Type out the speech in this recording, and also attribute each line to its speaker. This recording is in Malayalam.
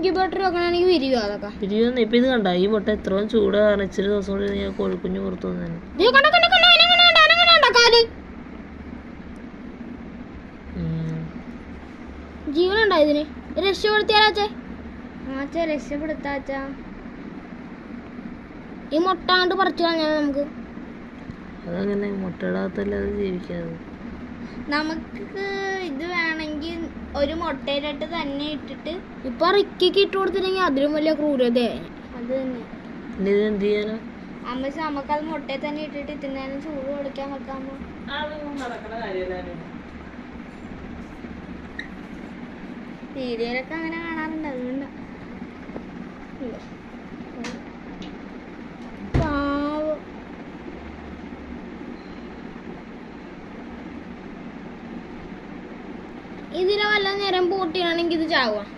Speaker 1: ഇൻക്യുബേറ്റർ വെക്കണമെങ്കിൽ വിരിയോ അതൊക്കെ
Speaker 2: വിരിയൊന്നും ഇപ്പൊ ഇത് കണ്ട ഈ മുട്ട എത്രയും ചൂട് കാരണം ഇച്ചിരി ദിവസം കൊണ്ട് ഞാൻ കോഴിക്കുഞ്ഞ് പുറത്തു വന്നു.
Speaker 1: ജീവനുണ്ടോ ഇതിന്? രക്ഷപ്പെടുത്തിയാലാച്ചേ രക്ഷപ്പെടുത്താച്ചാ. ഈ മുട്ട അങ്ങോട്ട് പറിച്ചു കളഞ്ഞാൽ നമുക്ക്
Speaker 2: അതങ്ങനെ മുട്ടയിടാത്തല്ലേ അത് ജീവിക്കാതെ.
Speaker 3: നമുക്ക് ഇത് വേണമെങ്കിൽ ഒരു മുട്ടയിലിട്ട് തന്നെ ഇട്ടിട്ട്
Speaker 1: ഇപ്പൊ റിക്കിക്ക് ഇട്ട് കൊടുത്തില്ലെങ്കിൽ അതിലും വലിയ ക്രൂരത.
Speaker 3: അത് തന്നെ
Speaker 2: എന്ത് ചെയ്യാനോ
Speaker 3: അമ്മ നമുക്കത് മുട്ടയിൽ തന്നെ ഇട്ടിട്ട് ഇത്തിരി ചൂട് കൊടുക്കാൻ വെക്കാമോ? വീഡിയോയിലൊക്കെ അങ്ങനെ കാണാറുണ്ട്. അതുകൊണ്ട്
Speaker 1: ഇതിനെ വല്ല നേരം പൂട്ടിയാണെങ്കിൽ ഇത് ചാവുക.